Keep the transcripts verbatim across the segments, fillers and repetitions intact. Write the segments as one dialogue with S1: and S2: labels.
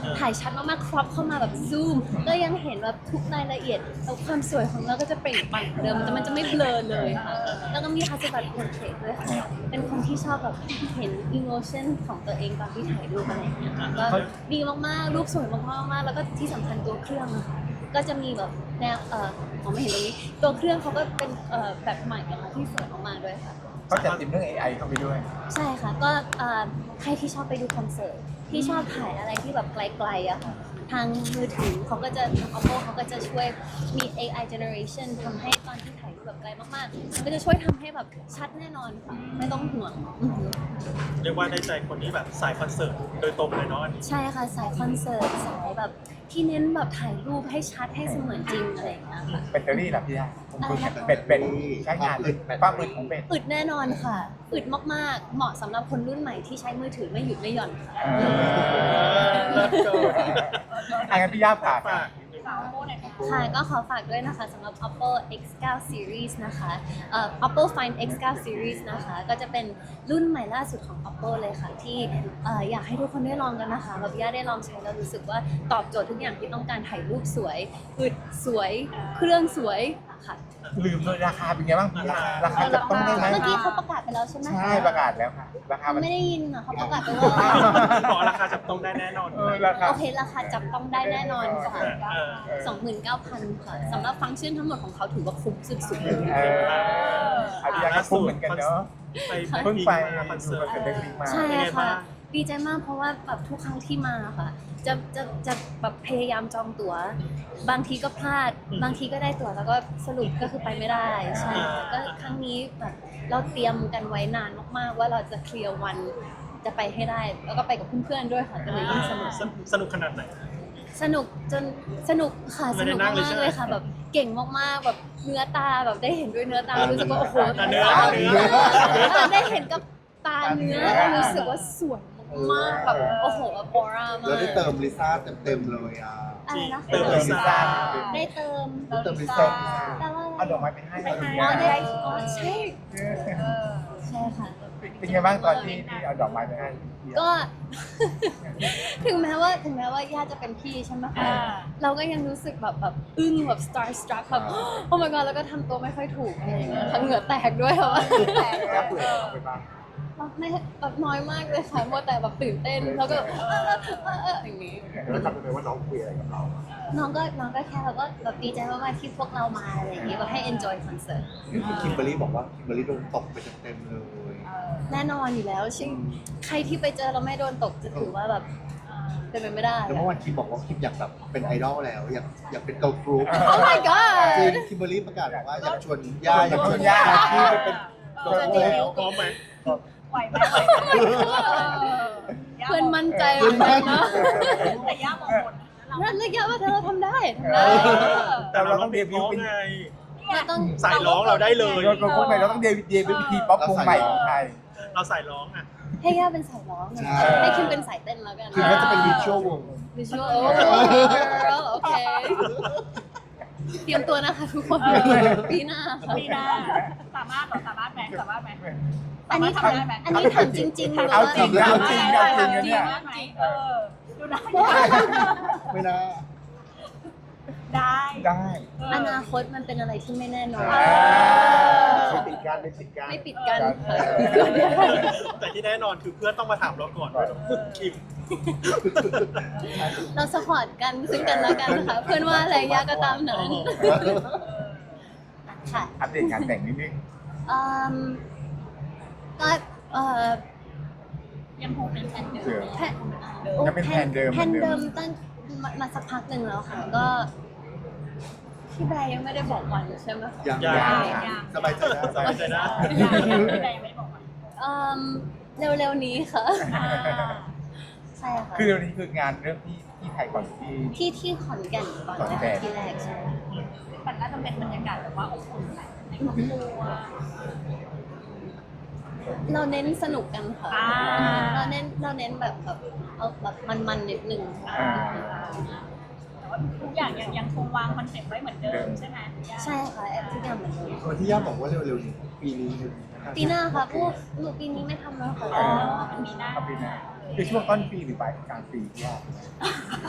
S1: ถ่ายชัดมากๆครอปเข้ามาแบบซูมก็ยังเห็นแบบทุกรายละเอียดแล้วความสวยของเราก็จะเปล่งปลั่งเดิมแต่มันจะไม่เบลอเลยค่ะแล้วก็มีคาสบัตโพร์เทรตด้วยค่ะเป็นคนที่ชอบแบบเห็นอิโมชันของตัวเองตอนที่ถ่ายรูปอะไรอย่างเงี้ยก็ดีมากๆรูปสวยมากๆแล้วก็ที่สำคัญตัวเครื่องอะค่ะก็จะมีแบบแนวเออมองไม่เห็นตรงนี้ตัวเครื่องเขาก็เป็นเอ่อแบบใหม่นะคะที่สวยมากๆด้วยค่ะ
S2: เขาจัดติมเรื่อง เอ ไอ เข้าไปด้วย
S1: ใช่ค่ะก็ใครที่ชอบไปดูคอนเสิร์ตที่ชอบถ่ายอะไรที่แบบไกลๆอะค่ะทางมือถือเขาก็จะทาง Oppo เขาก็จะช่วยมี เอ ไอ generation ทำให้ตอนที่ถ่ายรูปแบบไกลมากๆมันก็จะช่วยทำให้แบบชัดแน่นอนค่ะไม่ต้องห่วง
S3: เรียกว่าได้ใจคนที่แบบสายคอนเสิร์ตโดยตรงเลยเนาะ
S1: ใช่ค่ะสายคอนเสิร์ตสายแบบที่เน้นแบบถ่ายรูปให้ชัดให้เสมือนจริงอะไรอย่างเงี้ยค่ะ
S2: แบตเตอรี่ล่ะพี่ย่าเป็ดเป็ดใช้งานอึดความอึดของเป็ด
S1: อึดแน่นอนค่ะอึดมากๆเหมาะสำหรับคนรุ่นใหม่ที่ใช้มือถือไม่หยุดไม่หย่อนค่ะ
S2: อันนั้นพี่ย่าฝาก
S1: ค่ะก็ขอฝากด้วยนะคะสำหรับ Oppo เอ็กซ์ ไนน์ Series นะคะเอ่อ Oppo Find เอ็กซ์ ไนน์ Series นะคะก็จะเป็นรุ่นใหม่ล่าสุดของ Oppo เลยค่ะที่เอ่ออยากให้ทุกคนได้ลองกันนะคะแบบย่าได้ลองใช้แล้วรู้สึกว่าตอบโจทย์ทุกอย่างที่ต้องการถ่ายรูปสวยอึดสวยเครื่องสวยค่ะ
S2: ลืมเลยราคาเป็นไงบ้างราคาจับต้องได้ไหม
S1: เมื่อกี้เขาประกาศไปแล้วใช่ไหม
S2: ใช่ประกาศแล้วค่ะราคา
S1: ไม่ได้ยินอ่ะเขาประกาศไปว่า
S3: บอกราคาจับต้องได้แน่นอน
S1: โอเคราคาจับต้องได้แน่นอนค่ะ สองหมื่นเก้าพัน ค่ะสำหรับฟังก์ชันทั้งหมดของเขาถือว่าคุ้มสุดๆเลย
S2: อันนี้ก็คุ้มเหมือนกันเนาะเพิ่งไป
S3: คอนเสิร์ต
S2: เด็กมา
S1: ใช่ค่ะดีใจมากเพราะว่าแบบทุกครั้งที่มาค่ะจะจะจะแบบพยายามจองตั๋วบางทีก็พลาดบางทีก็ได้ตั๋วแล้วก็สรุปก็คือไปไม่ได้ใช่ก็ครั้งนี้แบบเราเตรียมกันไว้นานมากๆว่าเราจะเคลียร์วันจะไปให้ได้แล้วก็ไปกับเพื่อนๆด้วยค่ะก็เลยยิ่งสนุก
S3: สนุกขนาดไหน
S1: สนุกจนสนุกค่ะสนุกมากเลยค่ะแบบเก่งมากๆแบบเนื้อตาแบบได้เห็นด้วยเนื้อตารู้สึกว่าโอ้โห
S3: เนื้อเนื้
S1: อได้เห็นกับตาเนื้อรู้สึกว่าสวยมากแบบโอ้โหออร่ามาก
S4: เราได้เติมลิซ่าเต็มๆเลยอ่ะ
S1: อะไรนะ
S3: เติมลิซ่า
S1: ได้เติม
S4: เติมลิซ่า
S1: แต่ว่า
S2: เอาดอกไม้ไปให้
S1: อ๋อได้อ๋อใช่ใช่ค่ะ
S2: เป็นไงบ้างตอนที่เอาดอกไม้ไปให้
S1: ก็ถึงแม้ว่าถึงแม้ว่าย่าจะเป็นพี่ใช่ไหมคะเราก็ยังรู้สึกแบบแบบอึ้งแบบ star struck แบบโอ้ my god แล้วก็ทำตัวไม่ค่อยถูกอะไรอย่างเงี้ยค่ะเหงื่อแตกด้วยค่ะว่า
S2: แล้วเปลือกไปบ้าง
S1: ไม่แบบน้อยมากเลยค่ะมัวแต่แบบตื่นเต้นแล้วก็อย่างนี้
S4: แล้วจำได้ไหมว่าน้องคุยอะไรกับเรา
S1: น้องก็น้องก็แค่แบบว่าแบบดีใจมากๆที่พวกเรามาอะไรอย่างเงี้ยแบบให้ enjoy concert
S4: คิมเบอร์รี่บอกว่าคิมเบอร์รี่โดนตกไปเต็มๆเลย
S1: แน่นอนอยู่แล้วชิงใครที่ไปเจอเราไม่โดนตกจะถือว่าแบบเป็นไปไม่ได้
S4: แล้วเมื่อวันคิมบอกว่าคิมอยากแบบเป็นไอดอลแล้วอยากอยากเป็นเกิร์ลกรุ๊ป
S1: Oh my god
S4: จริงคิมเบอร์รี่ประกาศว่าอยากชวนย่าอยากชวนย่าที่ไปเป็นเกิร์ลกรุ๊ป
S3: พร้อมไหม
S5: ไหวไหม
S1: เพื่อนมั่นใจเหมือนกันนะ
S5: แต่ย่ามองหมด
S1: นั่นเลยย่าว่าเธอทำได้ทำได้
S3: แต่เราต้องเดบิวต์ไง
S1: เราต้อง
S3: สายร้องเราได้เลย
S2: เราต้องไปเราต้องเดบิวต์เดบิวต์วิธีป๊อปวงใหม่ของไทย
S3: เราสายร้องอ่ะ
S1: ให้ย่าเป็นสายร้องให้คิมเป็นสายเต้นแล้วกัน
S4: คิมก็จะเป็นวิชวลวง
S1: วิชวลโอเคเตรียมตัวนะคะทุกคนปีหน้า
S5: ปีหน้าสามารถหรอสามารถไหมสามารถไหม
S1: อันนี้ทำได้ไหมอันนี้ถามจริงๆหรือว่า
S2: เอาจริงเอาจริงเอาจริงเนี่ย
S5: เออดูได้
S4: ไม่ได้
S5: ได้
S2: ได้
S1: อนาคตมันเป็นอะไรที่ไม่แน่นอน
S4: ไม่ปิดการไม่ปิดการ
S1: ไม่ปิดกัน
S3: แต่ที่แน่นอนคือเพื่อนต้องมาถามเราก่อนว่าคิม
S1: เราสปอร์ตกันซึ่งกันและกันนะคะเพื่อนว่าอะไรยากก็ตามนั้นค่ะ
S2: อัปเดตงานแต่งนิดนึง
S1: ก็เอ่อ
S5: ยังคงเป็นแผนเดิม
S1: แผนเดิมแผนเดิมตั้งมาสักพักหนึ่งแล้วค่ะก็พี่แบร์ยังไม่ได้บอกวันใช่ไหม
S4: ยังยังสบายใจนะ
S3: สบายใจนะ
S5: พี่แบร์ยังไม่ได้บอกวัน
S1: เร็วๆนี้ค่ะใช่ค่ะ
S2: คือเร็วนี้คืองานเรื่องที่ที่ไทยก่อนที่
S1: ที่ที่ขอนแก่นก่อนที่แรกใช่
S5: มันน่าจะเป็นบรรยากาศแบบว่าอบอุ่นในครอบครัว
S1: เราเน้นสนุกกันค่ะเราเน้นเราเน้นแบบแบบเอาแบบมันๆนิดนึง
S5: แต่ว่าทุกอย่างยังยังคงวางคอนเซ็ปต์ไว้เหมือนเดิมใช่ไหม
S1: ใช่ค่ะแอปทุกอย่างเหมือนเดิม
S4: วันที่ย่าบอกว่าเร็วๆนี้ปีนี้
S1: ปีหน้าค่ะพวกหนูปีนี้ไม่ทำแล้วค่ะ
S5: ปีหน้า
S2: ปีหน้าคือช่วงต้นปีหรือปลายกลางปีที่ว่า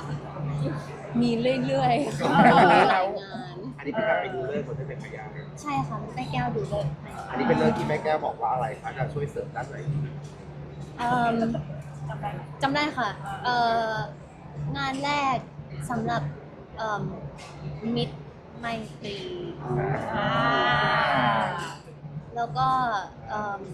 S1: มีเรื่อยๆค่ะมีหลายงาน
S4: อันนี้เป็นการไปดูเลิกษ์คนที่เป็นพยาน
S1: ใช่ค่ะแม่แก้วดูเลย
S4: อันนี้เป็นเรื่องที่แม่แก้วบอกว่าอะไรคะจะช่วยเสริมด้านไหน
S1: เอิ่มจำได้ค่ะเอ่องานแรกสำหรับเอิ่มมิตรไมตรีแล้วก็เอิ่ม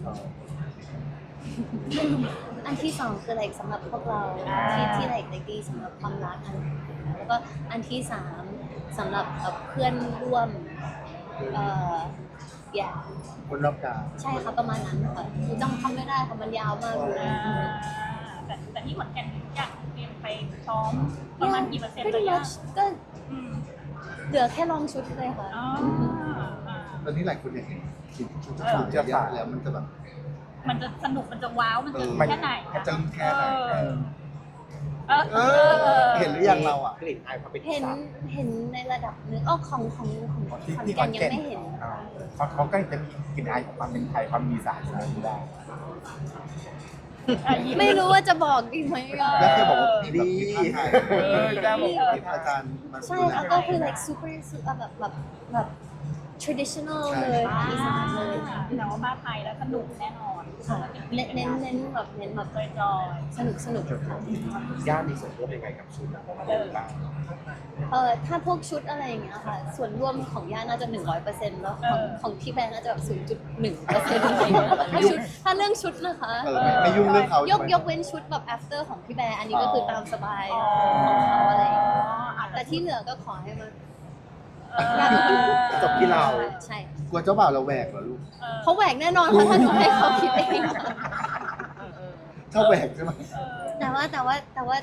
S1: อันที่สองคือ like สำหรับพวกเราที่ที่ like like ดีสำหรับความรักอันแล้วก็อันที่สามสำหรับเอ่อเพื่อนร่วมเอ่อ yeah
S4: คนรอบกาย
S1: ใช่ค่ะประมาณนั้นค่ะคือจำคำไม่ได้ค่ะมันยาวมากเลย
S5: แต่แต่ที่ขอนแก่นอยากเตรียมไปซ้อมประมาณกี่เปอร์เซ็นต์
S1: pretty
S5: ระยะ
S1: much ก็เหลือแค่ลองชุดเลยค่ะ
S5: อ๋ออ่า
S4: ตอนนี้หลายคนอยากเห็นชุดชุดชุดเยอะแล้วมันจะแบบ
S5: มันจะสนุกมันจะว้าวมันจะ
S2: มัน
S5: แค่ไหน
S2: จะแค่ไหนเออ
S5: เออ
S4: เออเห็นหรือยังเราอ่ะกลิ่นอายความเป็น
S1: เห็น
S4: สาว
S1: เห็นในระดับหนึงอ้อของของของข
S2: ที่
S1: อน
S2: ที่ข
S1: แก่
S2: อน น
S1: ยัง
S2: แก่น
S1: ไม่เห็น
S2: อ่าเขาเขาก็จะมีกลิ่นอายของความเป็นไทยความมีสารอะไรได้
S1: ไม่รู้ว่าจะบอกดีไหมอ่ะ
S4: แล้วแค่บอกว่าดี
S2: เออได้บอก
S4: มีอาจารย์มา
S1: ใช่ค่ะก็คือ like super super แบบแบบแบบ traditional เลยของอีสานเลย
S5: แต่ว่ามาไทยแล้วสนุกแน่นอน
S1: ค่ะเน้นเน้นเน้นแบบเน้นแบบ
S5: จอยจอย
S1: สนุกสนุกค่ะ
S4: ย่ามีส่วนร่วมยังไงกับชุดบ้าง
S1: เออถ้าพวกชุดอะไรอย่างเงี้ยค่ะ ส่วนร่วมของย่าน่าจะหนึ่งร้อยเปอร์เซ็นต์แล้วของของพี่แบร์น่าจะแบบศูนย์จุดหนึ่งเปอร์เซ็นต์ถ้าชุดถ้าเรื่องชุดนะคะ
S4: เออไม่ไม่ยุ่งเรื่องเขา
S1: ย
S4: ใช่
S1: ก
S4: ไหม
S1: ยกเว้นชุดแบบ after ของพี่แบร์อันนี้ก็คือตามสบายของเขาอะไรอย่างเงี้ยแต่ที่เหลือก็ขอให้มัน
S4: จบที่เรา
S1: ใช่
S4: กลัวเจ้าบ่าวเราแหวกเหรอลูก
S1: เขาแหวกแน่นอนเพราะถ้าหนูให้เขาคิดเอง
S4: ชอบแหวกใช่ไหม
S1: แต่ว่าแต่ว่าแต่ว่า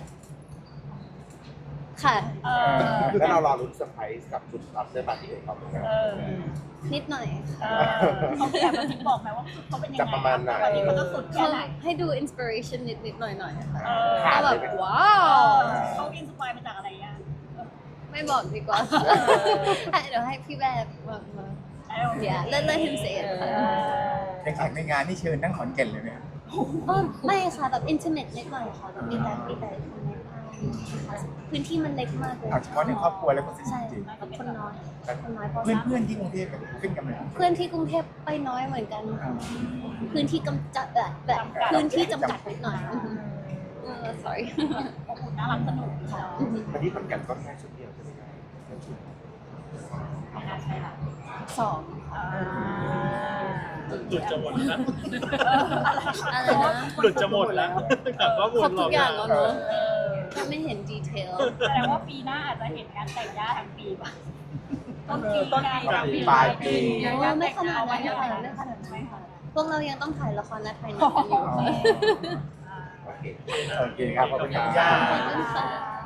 S1: ค่ะ
S5: เออ
S4: แล้วเรารอรุ้นเซอร์ไพรส์กับชุดรับเสื้อปาร์ตี้ของเขาเหมือนกัน
S5: เออ
S1: นิดหน่อย
S5: เออเขาแอบมาทิ้งบอกไหมว่าเขาเป็นยังไง
S4: จะประมาณไหน
S5: วันนี้เขาจะสุดแค่
S1: เขา
S5: ไหน
S1: ให้ดู inspiration นิดนิดหน่อยหน่อยค่ะ
S5: เออ
S1: ก็แบบว้า
S5: เอ
S1: ว
S5: อเขาอินสปายมาจากอะไรอ่ะ
S1: ไม่บอกดีกว่าให้เดี๋ยวให้พี่แบบมามา เดี๋ยว let let him say it ค่ะ
S2: อย่างแขกในงานนี่เชิญทั้งขอนแก่นเลยไหมครับ
S1: อ๋อไม่ค่ะแบบ intimate นิดหน่อยค่ะแบบมีแต่มีแต่คนในบ้านพื้นที่มันเล็กมากเลย
S2: เอาเฉพาะในครอบครัวแล้วก็สนิท
S1: ใช่
S2: จริง
S1: แบบคนน้อยคนน้อยเพราะ
S2: เพื่อนเพื่อนๆที่กรุงเทพแบบขึ้นกันไหม
S1: เพื่อนที่กรุงเทพไปน้อยเหมือนกันค่ะพื้นที่กำจัดแบบแบบพื้นที่จำกัดนิดหน่อยเออ sorry
S5: อบอุ่นน่ารักสนุกค่ะ
S4: วันนี้ขอนแก่นก็แค่ชุดเดียวใช่ไหมครับแค่ชุด
S5: ไม่น่าใช่ละ
S1: สอง
S5: อ่า
S3: หลุดจะหมดแล้ว
S1: อะไรนะ
S3: หลุดจะหมดแล้วกลับว่าวน
S1: ครบ
S3: หล
S1: ทุ
S3: อก
S1: อย่างแล้วเนอะ
S5: เออ
S1: ถ้าไม่เห็นดีเทล
S5: แสดงว่าปีหน้าอาจจะเห็นงานแต่งย่าทั้งปีป่ะต้นปีต้นปี
S2: ปลายปี
S1: โอ้ไม่ขนาดนั้นค่ะไม่ขนาดนั้นค่ะพวกเรายังต้องถ่ายละครและถ่ายหนังกันอยู่ค่ะ
S4: โอเค
S2: โอเคครับขอบคุณครับย่า
S1: ขอบคุณค่ะ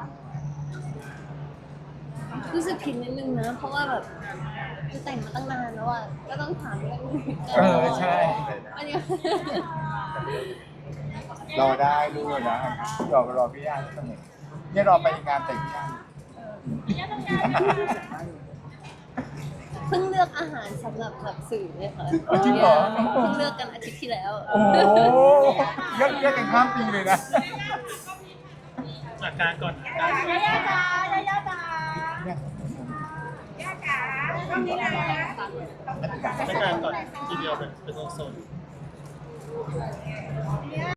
S1: รู้สึกผิดนิดนึงนะ เพราะว่าแบบคือแต่งมาตั้งนานแล้วอ่ะก็ต้องถามเรื่องนี้
S2: เออใช่
S1: อันนี้
S4: รอได้ลูก
S2: ด้วยนะรอรอพี่ย่าเสมอเนี่ยรอไปงานแต่งพี่ย่า
S1: เพิ่งเลือกอาหารสำหรับแบบสื่อเลยค่ะ
S2: อ๋อจริงเหรอ
S1: เพิ่งเลือกกันอาทิตย์ที่แล้ว
S2: โอ้โหเยอะเยอะกันข้ามปีเลยนะ
S3: อาการก่อนอาการ
S5: ย่าย่าจ๋าย่าย่าจ๋า
S2: เนี่ย
S3: อาการก่อนทีเดียวเป็นเป็นโซน